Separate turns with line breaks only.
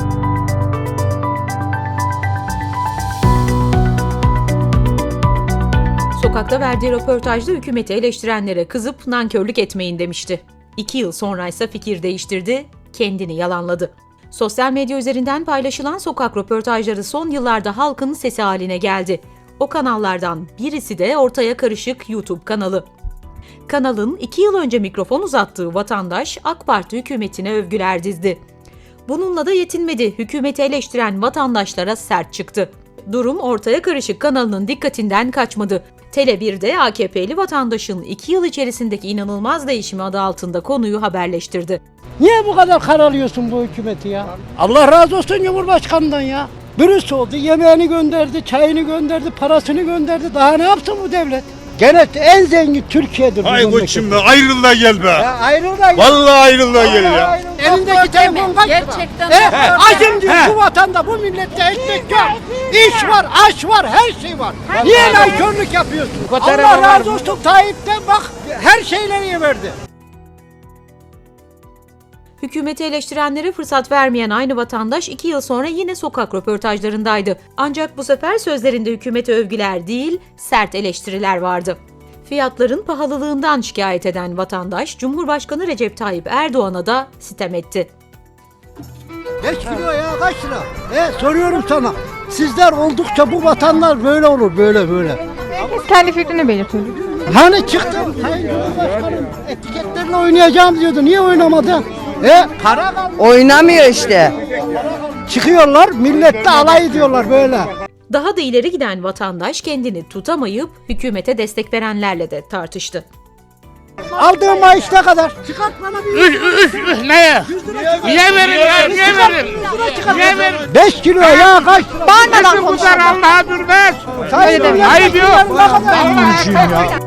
Sokakta verdiği röportajda hükümeti eleştirenlere kızıp nankörlük etmeyin demişti. 2 yıl sonra ise fikir değiştirdi, kendini yalanladı. Sosyal medya üzerinden paylaşılan sokak röportajları son yıllarda halkın sesi haline geldi. O kanallardan birisi de Ortaya Karışık YouTube kanalı. Kanalın 2 yıl önce mikrofon uzattığı vatandaş AK Parti hükümetine övgüler dizdi. Bununla da yetinmedi, hükümeti eleştiren vatandaşlara sert çıktı. Durum Ortaya Karışık kanalının dikkatinden kaçmadı. Tele1'de AKP'li vatandaşın 2 yıl içerisindeki inanılmaz değişimi adı altında konuyu haberleştirdi.
Niye bu kadar karalıyorsun bu hükümeti ya? Allah razı olsun Cumhurbaşkanı'ndan ya. Dürüst oldu, yemeğini gönderdi, çayını gönderdi, parasını gönderdi. Daha ne yapsın bu devlet? Gene en zengin Türkiye'dir.
Hay koçum be, ayrıl da gel be.
Ya ayrıl da gel.
Vallahi ayrıl da gel ya.
Elindeki telefon kaç lira?
Gerçekten.
Acım diyor bu vatanda, bu millette ekmek yok. İş var, aş var, her şey var. Niye nankörlük yapıyorsun? Allah razı olsun Tayyip'ten bak, her şeyleri verdi.
Hükümeti eleştirenlere fırsat vermeyen aynı vatandaş 2 yıl sonra yine sokak röportajlarındaydı. Ancak bu sefer sözlerinde hükümete övgüler değil, sert eleştiriler vardı. Fiyatların pahalılığından şikayet eden vatandaş, Cumhurbaşkanı Recep Tayyip Erdoğan'a da sitem etti.
5 kilo ya kaç lira? Soruyorum sana. Sizler oldukça bu vatanlar böyle olur, böyle.
Herkes kendi fikrini belirtiyor.
Hani çıktı? Sayın Cumhurbaşkanım etiketlerle oynayacağım diyordu. Niye oynamadı? Para kaldı.
Oynamıyor işte.
Çıkıyorlar, millette alay ediyorlar böyle.
Daha da ileri giden vatandaş kendini tutamayıp hükümete destek verenlerle de tartıştı.
Aldığım maaş ne kadar? Çıkart bana bir.
Neye? Niye verin ya? Niye verin? Niye verin?
5 kilo ya kaç lira?
Bağırmadan
Nasıl bu kadar Allah'a durmaz?
Sayın
Ayıp yok.
ne kadar?